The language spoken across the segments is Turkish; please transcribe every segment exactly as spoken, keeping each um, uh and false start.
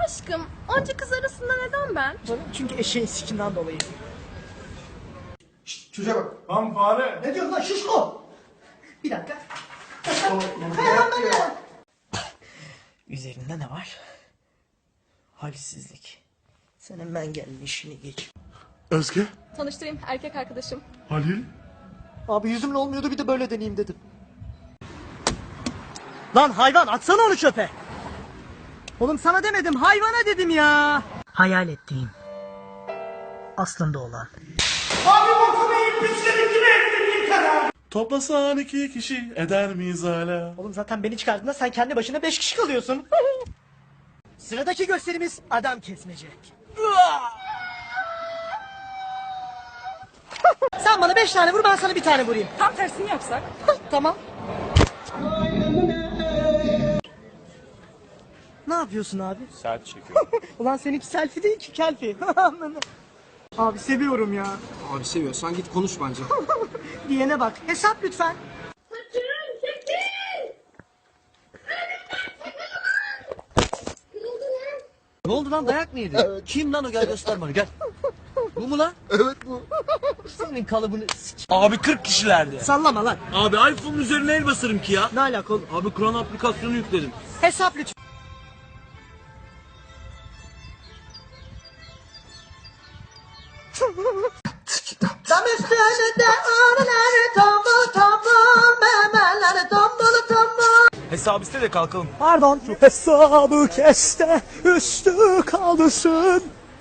Aşkım, onca kız arasında neden ben? Çünkü eşeğin sikinden dolayı. Şşt, çocuğa bak. Lan fare. Ne diyorsun lan şuşko? Bir dakika. Hemen. Üzerinde ne var? Halsizlik. Sen hemen gelin işini geç. Özge. Tanıştırayım, erkek arkadaşım. Halil. Abi yüzümle olmuyordu, bir de böyle deneyeyim dedim. Lan hayvan, atsana onu çöpe. Oğlum sana demedim, hayvana dedim ya. Hayal ettiğim. Aslında olan. Abi bokumu yiyip pisledik gibi ettin kadar. Toplasan iki kişi eder miyiz hala? Oğlum zaten beni çıkardığında sen kendi başına beş kişi kalıyorsun. Sıradaki gösterimiz adam kesmece. Sen bana beş tane vur, ben sana bir tane vurayım. Tam tersini yapsak? Tamam. Ne yapıyorsun abi? Selfie çekiyorum. Ulan seninki selfie değil ki kelfi. Abi seviyorum ya. Abi seviyorsan git konuş bence. Diyene bak. Hesap lütfen. Ne oldu lan, dayak mı yedin? Evet. Kim lan o, gel göster bana gel. Bu mu lan? Evet bu. Senin kalıbını s***. Abi kırk kişilerdi. Sallama lan. Abi iPhone'un üzerine el basarım ki ya. Ne alaka oğlum? Abi Kur'an aplikasyonu yükledim. Hesap lütfen. Tam üstünde ağrıları tombul tombul, memeleri tombul tombul. Hesap iste de kalkalım. Pardon. Hesabı keste, üstü kalsın.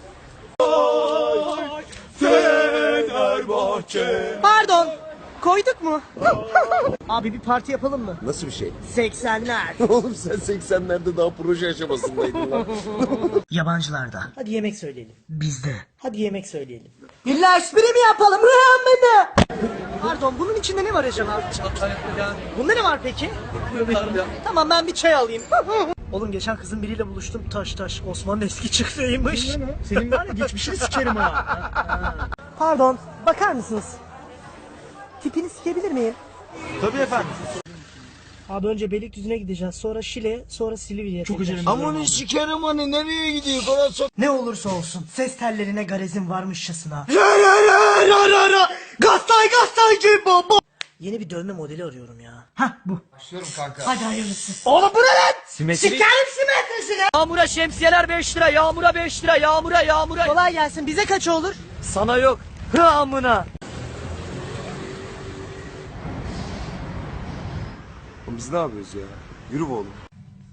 Fenerbahçe. Pardon. Koyduk mu? Abi bir parti yapalım mı? Nasıl bir şey? seksenler. Oğlum sen seksenlerde daha proje aşamasındaydın lan. Yabancılarda. Hadi yemek söyleyelim. Bizde. Hadi yemek söyleyelim. İlla espri mi yapalım? Pardon, bunun içinde ne var acaba? Bunda ne var peki? Tamam, ben bir çay alayım. Oğlum geçen kızın biriyle buluştum. Taş taş Osman'ın eski çıktığıymış. Senin var ya geçmişini sikerim ha. Pardon, bakar mısınız? Tipini sikebilir miyim? Tabii efendim. Abi önce Beylikdüzü'ne gideceğiz. Sonra Şile, sonra Silivri'ye. Çok acele Aman sikerim hani nereye gidiyor? Falan sok. Ne olursa olsun ses tellerine garezin varmışçasına. Gastay gastay gibi baba. Yeni bir dövme modeli arıyorum ya. Hah bu. Başlıyorum kanka. Hadi hayırlısı. Oğlum bu ne lan? Sikerim simetrisine. Yağmura şemsiyeler beş lira, yağmura beş lira, yağmura yağmura. Kolay gelsin. Bize kaç olur? Sana yok. Hı amına. Biz ne yapıyoruz ya? Yürü be oğlum.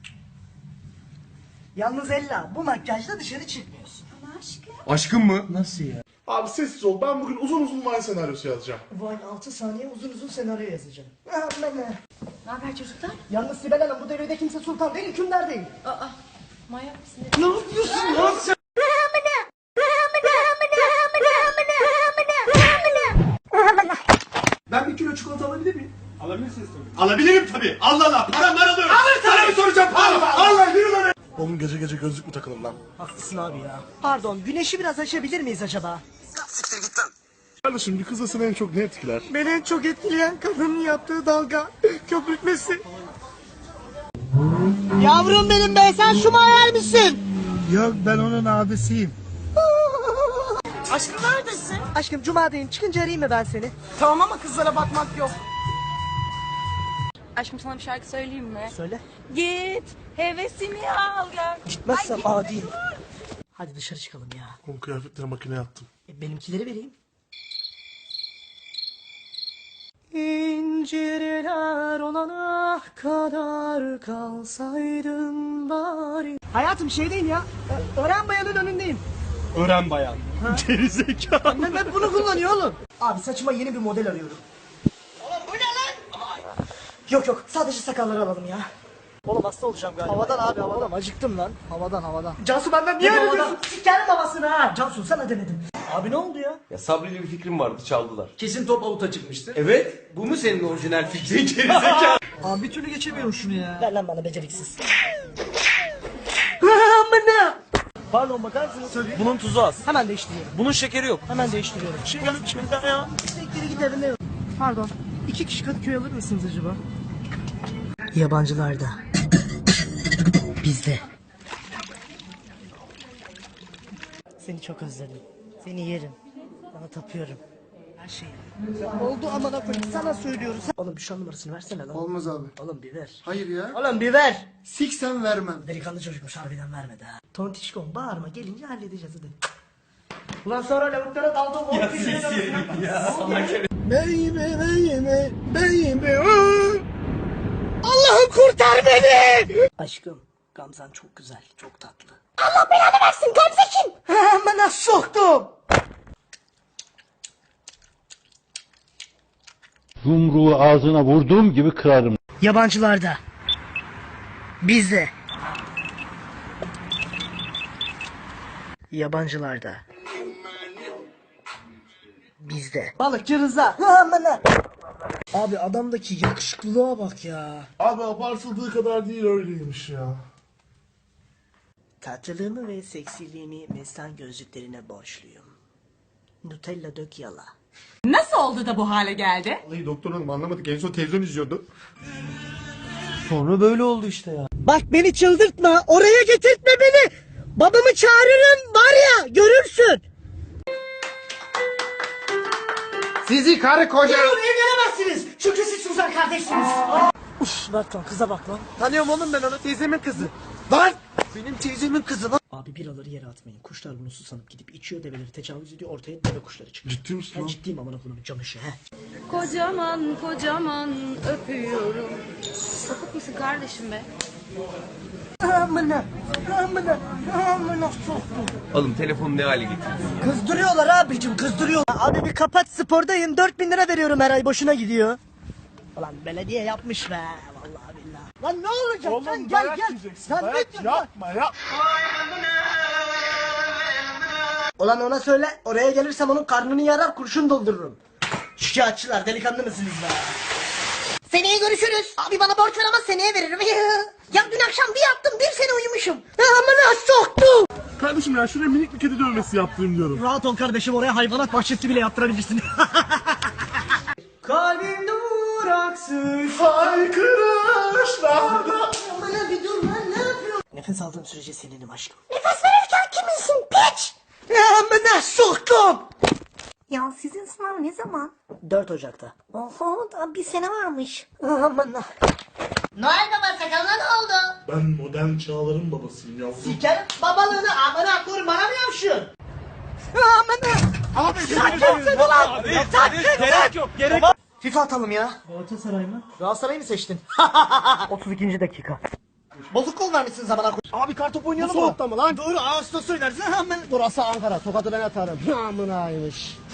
Yalnız Ella, bu makyajla dışarı çıkmıyorsun. Aşkım mı? Nasıl ya? Abi sessiz ol. Ben bugün uzun uzun Vine senaryosu yazacağım. Vay altı saniye uzun uzun senaryo yazacağım. Aman ne? Ne haber çocuklar? Yalnız Sibel Hanım, bu devirde kimse sultan değil, hükümdar değil. Aa, manyak mısın? Ne yapıyorsun lan sen? Ben bir kilo çikolata alabilir miyim? Alabilirsiniz tabii. Alabilirim tabii. Allah Allah. Param var alıyorum. Alır sana mı soracağım? Allah Allah. Yürü lan. Oğlum gece gece gözlük mü takılır lan? Haklısın abi ya. Pardon, güneşi biraz açabilir miyiz acaba? Siktir git lan. Kardeşim bir kızı seni en çok ne etkiler? Beni en çok etkileyen kadının yaptığı dalga, köpürtmesi. Yavrum benim be, sen şu hayal misin? Yok ben onun abisiyim. Aşkım neredesin? Aşkım cumadayım, çıkınca arayayım mı ben seni? Tamam ama kızlara bakmak yok. Aşkım sana bir şarkı söyleyeyim mi? Söyle. Git hevesimi al gel. Gitmezsem Ay, adiyim. Hadi dışarı çıkalım ya. Oğlum kıyafetleri makineye attım. E, benimkileri vereyim. İncirler olana kadar kalsaydın bari. Hayatım şeydeyim ya. Ö- Ören bayanın önündeyim. Öğren bayan. Gerizekalı. Annem hep bunu kullanıyor oğlum. Abi saçıma yeni bir model arıyorum. Oğlum bu ne lan? Yok yok, sadece sakalları alalım ya. Oğlum hasta olacağım galiba. Havadan abi havadan. Oğlum acıktım lan. Havadan havadan. Cansu benden niye öyle diyorsun? Sikerim babasını ha. Cansu sana demedim. Abi ne oldu ya? Ya Sabri'yle bir fikrim vardı, çaldılar. Kesin top avuta çıkmıştı. Evet, bu mu senin orijinal fikrin gerizekalı? Abi bir türlü geçemiyorum şunu ya. Ver lan bana beceriksiz. Amına. Pardon bakar mısınız? Bunun tuzu az. Hemen değiştiriyorum. Bunun şekeri yok. Hemen değiştiriyorum. Şey gelip içmeden ya. Sektere gidelim ne? Pardon. İki kişi Kadıköy alır mısınız acaba? Yabancılarda. Bizde. Seni çok özledim. Seni yerim. Sana tapıyorum. Her şeyi. Oldu amına koyayım sana söylüyoruz. Oğlum bir şu an numarasını versene lan. Olmaz abi. Oğlum bir ver. Hayır ya. Oğlum bir ver. Siksen vermem. Delikanlı çocukmuş harbiden vermedi ha. Tontişkom bağırma gelince halledeceğiz hadi. Ulan sonra lavuklara daldım. Ya siz ya. Baby baby baby. Allah'ım kurtar beni. Aşkım Gamzan çok güzel çok tatlı. Allah belanı versin Gamze kim? Amına soktum. Yumruğu ağzına vurduğum gibi kırarım. Yabancılarda. Bizde. Yabancılarda. Bizde. Balıkçı Rıza. Amına. Abi adamdaki yakışıklılığa bak ya. Abi abartıldığı kadar değil öyleymiş ya. Tatlılığımı ve seksiliğimi mestan gözlüklerine borçluyum. Nutella dök yala. Nasıl oldu da bu hale geldi? Vallahi doktor hanım anlamadık. En son televizyon izliyordu. Sonra böyle oldu işte ya. Bak beni çıldırtma. Oraya getirtme beni. Babamı çağırırım var ya görürsün. Sizi karı koca. Evlenemezsiniz. Çünkü siz Suzan kardeşsiniz. Uf bak lan kıza bak lan. Tanıyorum oğlum ben onu, teyzemin kızı. Lan! Benim teyzemin kızı lan. Abi biraları yere atmayın. Kuşlar bunu susanıp gidip içiyor develeri tecavüz ediyor. Ortaya deve kuşları çıkıyor. Ciddi misin Ben lan? ciddiyim amına koyayım camışı he. Kocaman kocaman öpüyorum. Sapık mısın kardeşim be? Amına. Amına. Amına soktum. Oğlum telefonu ne hale getirdin? Kızdırıyorlar abicim kızdırıyorlar. Abi bir kapat spordayım. dört bin lira veriyorum her ay boşuna gidiyor. Ulan belediye yapmış be. Vallahi billahi. Lan ne olacak Oğlum sen gel dayak gel. yiyeceksin. Sen Dayak ne diyorsun? yapma ya. Ulan ona söyle oraya gelirsem onun karnını yarar kurşun doldururum. Şikayetçiler delikanlı mısınız be? Seneye görüşürüz. Abi bana borç ver ama seneye veririm. Ya dün akşam bir yattım bir sene uyumuşum. Amına soktum. Kardeşim ya şuraya minik bir kedi dövmesi yaptırayım diyorum. Rahat ol kardeşim oraya hayvanat bahçesi bile yaptırabilirsin. Kalbim duraksız. Haykırışlarda. Bana bir dur lan ne yapıyorsun? Nefes aldığım sürece seninim aşkım. Nefes verirken kiminsin piç? Amına soktum. Ya sizin sınav ne zaman? dört Ocak'ta. Oho daha bir sene varmış. Amına. Noel Baba sakalına ne oldu? Ben modern çağların babasıyım yavrum. Sikerim babalığını amına kur bana mı yapşın? Amına. Abi Sakınsın ulan. Sakın. Gerek yok gerek yok. FIFA atalım ya. Galatasaray mı? Galatasaray'ı mı seçtin? otuz ikinci dakika. Bozuk kol vermişsin zamana koy. Abi kartop oynayalım mı? Bu soğukta mı lan? Doğru Ağustos oynarsın hemen. Burası Ankara. Tokat'ı ben atarım. Amınaymış.